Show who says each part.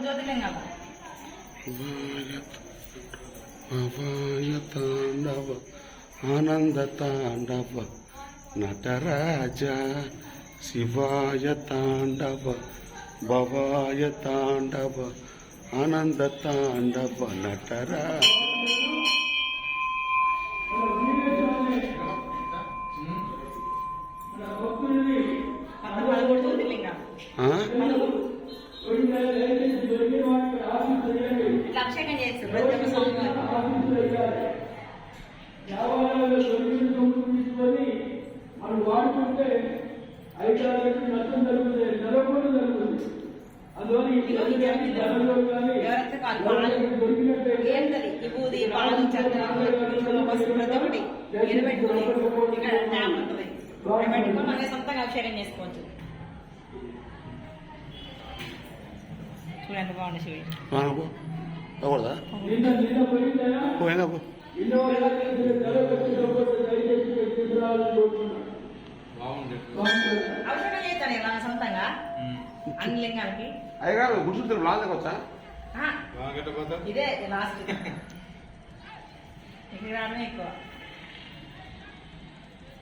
Speaker 1: భవాయ తాండవ ఆనంద తాండవ నటరాజ శివాయ తాండవ భవాయ తాండవ ఆనంద తాండవ నటరాజ.
Speaker 2: అభిషేకం చేస్తారు
Speaker 3: మనం వాడుకుంటే 5-6 నష్టం జరుగుతుంది, జరగకుండా జరుగుతుంది. అందువల్ల
Speaker 2: సొంతంగా అభిషేకం చేసుకోవచ్చు. చూడండి బాగుంది శివుడు. అభిషేకం చేస్తాను ఇలా సొంతంగా అన్ని లింగాలకి.
Speaker 1: అయ్యగా గుర్తు లాగొచ్చా?
Speaker 2: ఇదే లాస్ట్ ఇక్కడ రావడమే ఎక్కువ.